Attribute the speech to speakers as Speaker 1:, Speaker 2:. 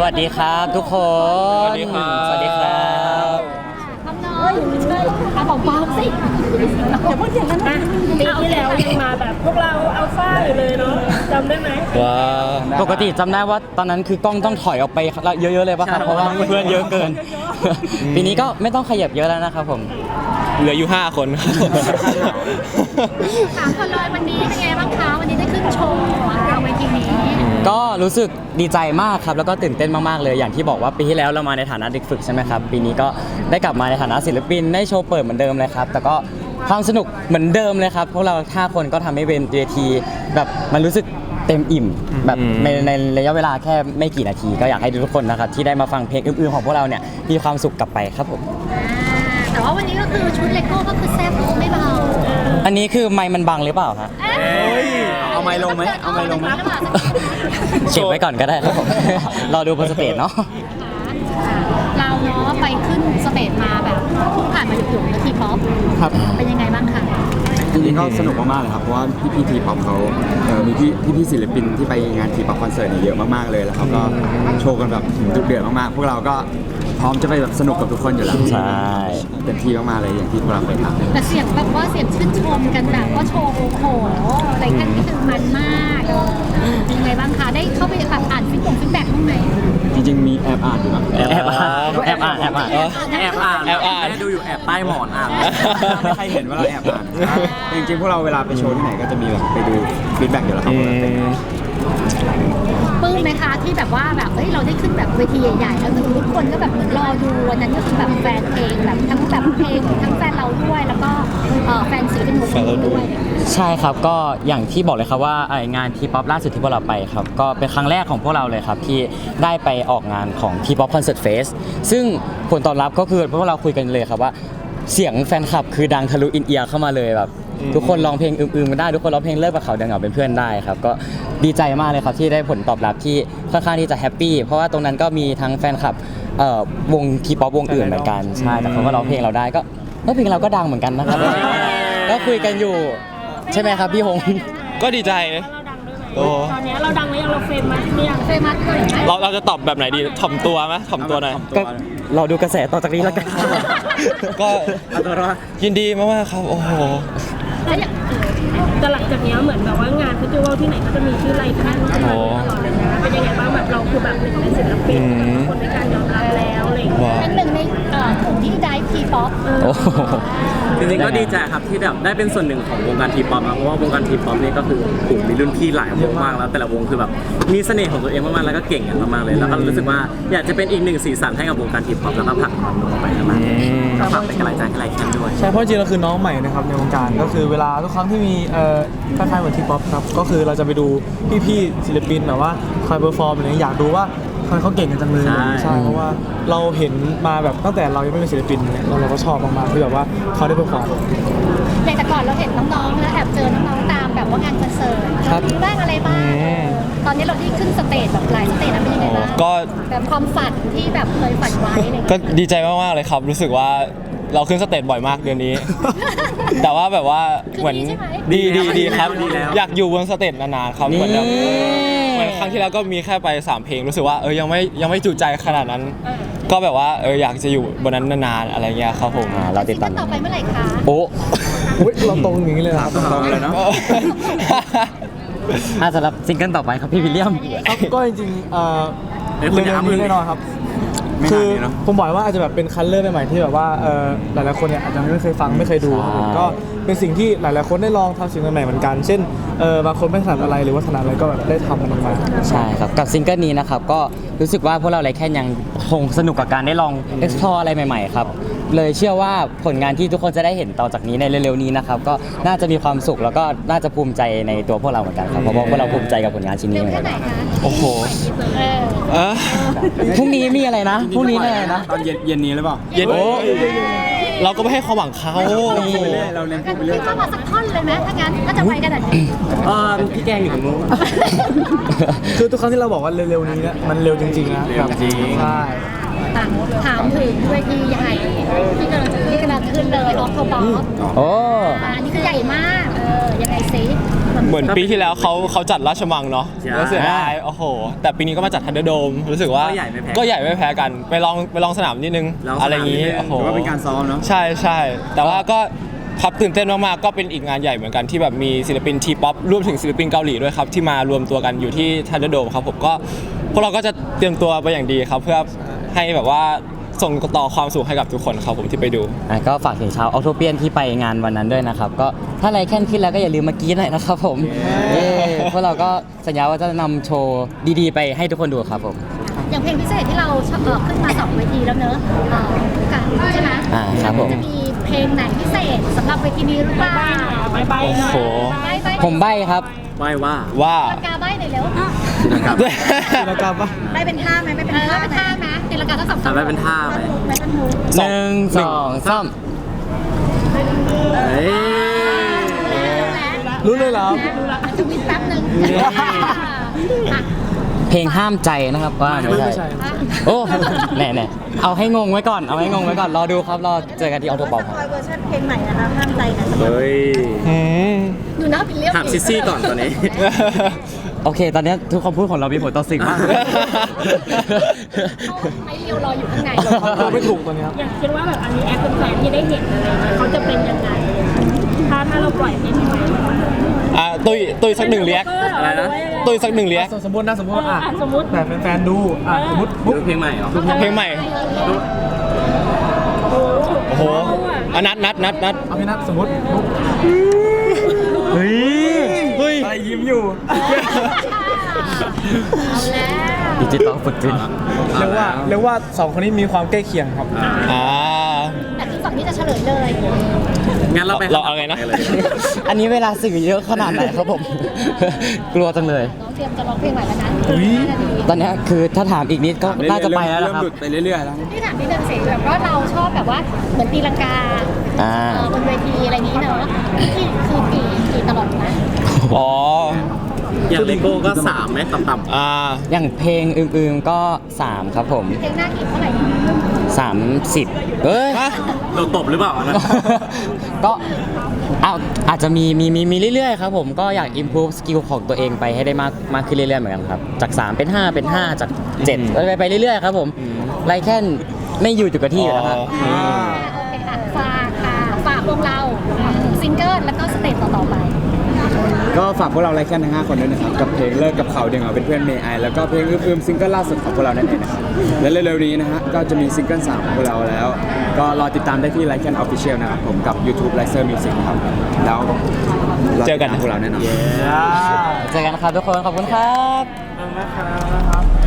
Speaker 1: วัสดีครับทุกคน
Speaker 2: สวัสดีครับ
Speaker 1: สวัสดีครับ
Speaker 3: ทำน้อยเอาของปลอมสิอย่าพูดอย่างนั้นนะ
Speaker 4: ปีที่แล้วยังมาแบบพวกเราอัลฟาอยู่เลยเนาะจำได้ไหม
Speaker 2: ว้า
Speaker 1: ปกติจำได้ว่าตอนนั้นคือกล้องต้องถอยออกไปเยอะๆเลยป่ะครับเพราะว่าเพื่อนเยอะเกิน ปีนี้ก็ไม่ต้องขยับเยอะแล้วนะครับผม
Speaker 2: เหลืออยู่5 คนครับ
Speaker 3: ถามคนเลยวันนี้เป็นไงบ้างคะวันนี้ได้ขึ้นโชว์เราเวทีนี้
Speaker 1: ก็รู้สึกดีใจมากครับแล้วก็ตื่นเต้นมากๆเลยอย่างที่บอกว่าปีที่แล้วเรามาในฐานะเด็กฝึกใช่ไหมครับปีนี้ก็ได้กลับมาในฐานะศิลปินได้โชว์เปิดเหมือนเดิมเลยครับแต่ก็ความสนุกเหมือนเดิมเลยครับพวกเรา5 คนก็ทำให้เวทีแบบมันรู้สึกเต็มอิ่มแบบในระยะเวลาแค่ไม่กี่นาทีก็อยากให้ทุกคนนะครับที่ได้มาฟังเพลงอื่นๆของพวกเราเนี่ยมีความสุขกลับไปครับผม
Speaker 3: แต่ว่าวันนี้ก็คือชุดเลโก้ก็คือแซ่บไม่เบา
Speaker 1: อันนี้คือไมค์มันบังหรือเปล่าฮะ
Speaker 3: เอาไม้ลงไหมเอาไม้ลงไหม
Speaker 1: เก็บไว้ก่อนก็ได้ครับผม รอดูบนสเตจเนาะ
Speaker 3: เราเนาะไปขึ้นสเตจมาแบบเพิ่งผ่านมาหยุดๆทีป๊อป
Speaker 5: ครับ
Speaker 3: เป็นยังไงบ้างคะ
Speaker 5: จริงๆก็สนุกมากๆเลยครับเพราะว่าพี่ทีป๊อปเขามีพี่ศิลปินที่ไปงานทีป๊อปคอนเสิร์ตเนี่ยเยอะมากๆเลยแล้วเขาก็โชว์กันแบบดุเดือดมากๆพวกเราก็พร้อมจะไปแบบสนุกกับทุกคนอยู่แล้ว
Speaker 1: ใช่
Speaker 5: เต็มที่มากๆเลยอย่างที่พวกเราเคยทำ
Speaker 3: แต่เสียงแบบว่าเสียงชื่นชมกันแบบว่าโชว์โอ้โหอะไรกันนี่คือมันมากเป็นยังไงบ้างคะได้เข้าไปแบบอ่านฟีดแบ็กบ้างไหม
Speaker 5: จริงๆมีแอบอ่านอยู่นะ
Speaker 1: แอบอ่านแอบอ่านแอบอ่าน
Speaker 5: แอบอ่าน
Speaker 2: แอบอ่าน
Speaker 5: ดูอยู่แอบใต้หมอนอ่านไม่ใครเห็นว่าเราแอบอ่านจริงๆพวกเราเวลาไปโชว์ที่ไหนก็จะมีแบบไปดูฟีดแบ็กอยู่แล้วครับ
Speaker 3: ปลื้มไหมคะที่แบบว่าแบบเฮ้ยเราได้ขึ้นแบบเวทีใหญ่ๆแล้วทุกคนก็แบบเหมือนรอดูวันนั้นก็คือแบบแฟนเพลงแบบทั้งแบบเพลงทั้งแฟนเราด้วยแล้วก็แฟนศิลปินวงด้วย
Speaker 1: ใช่ครับก็อย่างที่บอกเลยครับว่างานทีป๊อปล่าสุดที่พวกเราไปครับก็เป็นครั้งแรกของพวกเราเลยครับที่ได้ไปออกงานของทีป๊อปคอนเสิร์ตเฟสซึ่งผลตอบรับก็คือพวกเราคุยกันเลยครับว่าเสียงแฟนคลับคือดังทะลุอินเอียร์เข้ามาเลยแบบทุกคนร้องเพลงอืมๆกันได้ทุกคนร้องเพลงเลิกกับเขาเดินเหงาเป็นเพื่อนได้ครับก็ดีใจมากเลยครับที่ได้ผลตอบรับที่ค่อนข้างที่จะแฮปปี้เพราะว่าตรงนั้นก็มีทั้งแฟนคลับวงทีป๊อปวงอื่นเหมือนกันใช่แต่เขาก็ร้องเพลงเราได้ก็เพลงเราก็ดังเหมือนกันนะครับ ก็คุยกันอยู่ใช่ไหมครับพี่หง
Speaker 2: ก็ดีใจ
Speaker 4: เราดังด้วยไหมตอนนี้เราดังหรือยังเราเฟมไหมหรือยัง
Speaker 3: เฟมัสเลยไหม
Speaker 2: เราจะตอบแบบไหนดีถ่อมตัวไหมถ่อมตัวหน่อย
Speaker 1: ก็รอดูกระแสต่อจากนี้แล้วกัน
Speaker 2: ก็ยินดีมากๆครับโอ้โห
Speaker 4: แล้วอย่างแต่หลังจากนี้เหมือนแบบว่างานเฟสติวัลที่ไหนก็จะมีชื่อไลฟ์ท่านขึ้นมาตลอดเลยนะเป็นยังไงบ้างแบบเราคือแบบหนึ่งในศิลปินคนในการยอมรับแล้วอะไรอย่างเงี้ย
Speaker 2: ว้าว
Speaker 3: เป็นหนึ่งในกลุ่มที่ได้ทีป๊อป
Speaker 1: โอ้โห
Speaker 6: จริงๆก็ดีใจครับที่แบบได้เป็นส่วนหนึ่งของวงการทีป๊อปนะเพราะว่าวงการทีป๊อปนี่ก็คือกลุ่มมีรุ่นพี่หลายวงมากแล้วแต่ละวงคือแบบมีเสน่ห์ของตัวเองมากๆแล้วก็เก่งกันมากๆเลยแล้วก็รู้สึกว่าอยากจะเป็นอีกหนึ่งสีสันให้กับวงการทีป๊อปแล้วก็ผลักมันออกไปข้างหน้าก็ฝากเป็นกำลังใจให้ไลค์แคนด้วย
Speaker 7: ใช่เพราะจริงๆเราคือน้องใหม่นะครับในวงการก็คือเวลาทุกครั้งที่มีคล้ายๆเหมือนทีป๊อปครับก็คือเราจะไปดูพี่ๆศิลปินแบบว่าคอยเปอร์ฟอร์มอะไรอย่างเงี้ยอยากดูว่าเขาเก่งกันจังเลย
Speaker 6: ใช่
Speaker 7: เพราะว่าเราเห็นมาแบบตั้งแต่เรายังไม่เป็นศิลปินเนี่ยเราก็ชอบมากๆที่แบบว่าเขาได้เปอร์ฟอร์ม
Speaker 3: อย่างแต่ก่อนเราเห็นน้องๆแล้วแอบเจอน้องๆตามแบบว่างานคอนเสิร์ต
Speaker 7: ครับ
Speaker 3: มีบ้างอะไรบ้างตอนนี้เราได้ขึ้นสเตจแบบหลายสเตจแล้วเป็นยังไงบ้าง
Speaker 2: ก็
Speaker 3: แบบความฝันที่แบบเคยฝันไว้อะไรอย่าง
Speaker 2: ก็
Speaker 3: เงี้ย
Speaker 2: ดีใจมากๆเลยครับ รู้สึกว่าเราขึ้นสเตจบ่อยมากเดือนนี้ แต่ว่าแบบว่าเหมือนดีครับ อยากอยู่บนสเตจนานๆครับเหมือนแบบเหมือนครั้งที่แล้วก็มีแค่ไป3 เพลงรู้สึกว่ายังไม่จุใจขนาดนั้น ก็แบบว่าอยากจะอยู่บนนั้นนานๆอะไรเงี้ยครับผม
Speaker 1: เราติดตาม
Speaker 3: ซิงเกิลต่อไปเมื่อไหร่คะ
Speaker 1: โอ้
Speaker 7: อุ๊ยเราตรงอย่างนี้เลยนะครับ
Speaker 5: ตรงเลยเนาะ
Speaker 1: สำหรับซิงเกิลต่อไปครับพี่วิลเลียม
Speaker 7: ครับก็จริงๆ
Speaker 5: เดี๋ยว
Speaker 7: เร็
Speaker 5: คุณอย่าว
Speaker 7: ๆนี้แน่นอนครับ
Speaker 5: ไม่
Speaker 7: คื
Speaker 5: นาน
Speaker 7: อ
Speaker 5: นี้เนาะ
Speaker 7: ผมบอกว่าอาจจะแบบเป็นคัลเลอร์ใหม่ๆที่แบบว่าหลายๆคนเนี่ยอาจจะไม่เคยฟังไม่เคยดูครับผม
Speaker 1: ใช่
Speaker 7: ก็เป็นสิ่งที่หลายๆคนได้ลองทำสิ่งใหม่ๆเหมือนกัน เช่นบางคนไม่ถนัดอะไรหรือว่าถนัดอะไรก็แบบได้ทำมันออกมา
Speaker 1: ใช่ครับกับซิงเกิลนี้นะครับก็รู้สึกว่าพวกเราไรแค่ยังคงสนุกกับการได้ลอง explore อะไรใหม่ๆครับเลยเชื่อว่าผลงานที่ทุกคนจะได้เห็นต่อจากนี้ในเร็วๆนี้นะครับก็น่าจะมีความสุขแล้วก็น่าจะภูมิใจในตัวพวกเราเหมือนกันครับเพราะว่าพวกเราภูมิใจกับผลงานชิ้น
Speaker 3: เร็
Speaker 1: นี้
Speaker 3: ว
Speaker 1: เหมือน
Speaker 3: แค่
Speaker 1: กัน
Speaker 3: ไหนคะ
Speaker 2: โอ้โห
Speaker 3: เออ
Speaker 1: พรุ่งนี้มีอะไรนะพรุ่งนี้มีอะไรนะ
Speaker 5: ตอนเย็นนี้หรือเปล่า
Speaker 2: เย็นเราก็ไม่ให้ความหวังเขา
Speaker 5: พูดไปเรื่อยเราเล่นพูดไปเรื่อย
Speaker 3: พี่เข้ามาสักท่อนเลยไหมถ้างั้นก็จะไปกันแบบนี้
Speaker 6: พี่แกงอยู่ตรงนู้น
Speaker 7: คือทุกครั้งที่เราบอกว่าเร็วๆนี้เนี่ยมันเร็วจริงๆนะ
Speaker 5: เร็วจริง
Speaker 7: ใช่
Speaker 3: อ่ะถามถึงเวทีใหญ่ที่กำลังจะขึ้นเลยออฟโทบอล
Speaker 1: โอ้
Speaker 3: อันนี้คือใหญ่มากยังไงซิ
Speaker 2: เหมือนปีที่แล้วเขาจัดราชมังเนาะ
Speaker 6: ใช่
Speaker 2: แล้วเสียดายโอ้โห แต่ปีนี้ก็มาจัดทันเดอร์โดมรู้สึกว่า
Speaker 6: ก็ใหญ่ไม่แพ้
Speaker 2: ก็ใหญ่ไม่แพ้กันไปลองสนามนิดนึง
Speaker 6: ลองสนาม
Speaker 2: อะไรอย่างนี้
Speaker 6: นิดนึง
Speaker 2: โอ้โห
Speaker 5: ถือว่าเป็นการซ้อมเนาะ
Speaker 2: ใช่ใช่แต่ว่าก็ครับตื่นเต้นมากๆก็เป็นอีกงานใหญ่เหมือนกันที่แบบมีศิลปินทีป๊อปรวมถึงศิลปินเกาหลีด้วยครับที่มารวมตัวกันอยู่ที่ทันเดอร์โดมครับผมก็พวกเราก็จะเตรียมตัวไปอย่างดีครับเพื่อให้แบบว่าส่งต่อความสุขให้กับทุกคนครับผมที่ไปดู
Speaker 1: ก็ฝากถึงชาวออโตเปียนที่ไปงานวันนั้นด้วยนะครับ ก็ถ้าอะไรแค่นขึ้นแล้วก็อย่าลืมมากรี๊ดหน่อยนะครับผมพวกเราก็สัญญาว่าจะนำโชว์ดีๆ ไปให้ทุกคนดูครับผม
Speaker 3: อย่างเพลงพิเศษที่เราขึ้นมา2เวทีแล้วเนอะกันใช่ไหม
Speaker 1: ครับผม
Speaker 3: จะมีเพลงไหนพิเศษสำหรับเวทีนี้หรือเปล่า
Speaker 4: ไปหน่อย
Speaker 2: โอ้โห
Speaker 3: ใบ้
Speaker 1: ผมใบ้ครับ
Speaker 6: ไหว้ว่า
Speaker 2: ว่า
Speaker 3: ตีลังกาใบ้หน่อยเร็ว
Speaker 7: แล้วก็ปะ
Speaker 3: ใบ้เป็นท่าไหมไม่เป็นท่าเป็นท่าไหมตีลังกาทั้งสอง
Speaker 6: ใบ้เป็นท่าไหม
Speaker 3: ไม่เป็นมูฟ
Speaker 1: 1 2 3
Speaker 6: เฮ้ย
Speaker 7: รู้เลยเหรอ
Speaker 3: จะวินแป๊บนึง
Speaker 1: เพลงห้ามใจนะครับว่าไม่
Speaker 7: ไม่
Speaker 1: ใช่
Speaker 7: ใช่
Speaker 1: โอ้แน่ๆเอาให้งงไว้ก่อนเอาให้งงไว้ก่อนรอดูครับรอเจอกันที่ออโตบอลครับ
Speaker 3: เวอร์ชันเพลงใหม่นะคะห้ามใจนะ
Speaker 6: เฮ้ย
Speaker 3: หนูน่าเป็นเลี้ยว
Speaker 6: ถามซิซี่ก่อนตอนนี้
Speaker 1: โอเค ตอนนี้ทุกคำพูดของเรามีผลต่อสิ่งมาก
Speaker 3: ไอเลียวรออยู่ข้างใน
Speaker 7: เราไม่ถูกตอนนี้ครับ
Speaker 4: อยากคิดว่าแบบอันนี้แอปเป็นแฟนที่ได้เห็นอะไรเงี้ยเขาจะเป็นยังไงถ้าเราปล่อยเพลงใหม่ๆ
Speaker 2: ตุ้ยสักหนึ่งเรียก
Speaker 6: อะไรนะ
Speaker 2: ตุ้ยสักหนึ่งเรียก
Speaker 7: สมมตินะสมมติว่า
Speaker 4: สมมติ
Speaker 7: แบบแฟนๆดูสมมติ
Speaker 6: ดูเพลงใหม่เหรอ
Speaker 2: เพลงใหม่โอ้โหนัด
Speaker 7: เอาพี่นัทสมมติบุ๊ก
Speaker 1: เฮ้ย
Speaker 7: อะไรยิ้มอยู่
Speaker 3: เอาแล้ว
Speaker 1: ดิจิตอลฟุตปรินท์
Speaker 7: เรียกว่าสองคนนี้มีความใกล้เคียงครับ
Speaker 2: อ่า
Speaker 3: แต่คือฝั่งนี้จะเฉลยเลย
Speaker 6: งั้นเราไป
Speaker 2: เราเอาไงนะ
Speaker 6: เลย
Speaker 1: อันนี้เวลาสื่อเยอะขนาดไหนครับผม กลัวจังเลย
Speaker 3: น้องเตรียมจะร้องเพลงใหม่แล้วนะ
Speaker 1: ตอนนี้คือถ้าถามอีกนิดก็น่าจะไปแล้วนะ
Speaker 5: เริ่ม
Speaker 1: ครับ
Speaker 5: หลุดไปเรื่อยๆแล้ว
Speaker 3: นี่ถามนิดนึงสิแบบว่าเราชอบแบบว่าเหมือนตีลังกา
Speaker 1: อ่า
Speaker 3: บนเวทีอะไรนี้เนอะที่คือกี่ตลอดนะ
Speaker 2: อ๋อ
Speaker 6: อย่างเลโก้ก็ 3ไหมต่ำ
Speaker 2: อ่า
Speaker 1: อย่างเพลงอื่นๆก็ 3 ครับผม
Speaker 3: เพลงหน้ากี่เท่าไหร่
Speaker 1: 30เอ้ย
Speaker 6: ๆเราตบหรือเปล่าอันนะ
Speaker 1: ก็อาจจะมีเรื่อยๆครับผมก็อยาก improve skill ของตัวเองไปให้ได้มากขึ้นเรื่อยๆเหมือนกันครับ จาก 3 เป็น 5 เป็น 5 จาก 7ไปเรื่อยๆครับผมไรแค่นไม่อยู่จุดกับที่อยู่แล้วครับ
Speaker 3: โอเคค่ะฝากพวกเราซิงเกิลแล้วก็สเตจต่อๆไป
Speaker 5: ก็ฝากพวกเราไลค์แค่ทั้ง5คนด้วยนะครับกับเพลงเลิกกับเขาเดียวเป็นเพื่อนเมย์ไอแล้วก็เพลงอืมซิงเกิลล่าสุดของพวกเรานั่นเองนะครับและเร็วๆนี้นะฮะก็จะมีซิงเกิล3ของพวกเราแล้ว ก็รอติดตามได้ที่ไลค์แคนออฟฟิเชียลนะครับผมกับ YouTube l i c e r Music ครับแล้วร
Speaker 2: เจอกัน
Speaker 5: ติดตามพวกเราแน่นอน
Speaker 1: เจอกันครับทุกคนขอบคุณครับ
Speaker 7: นะครับ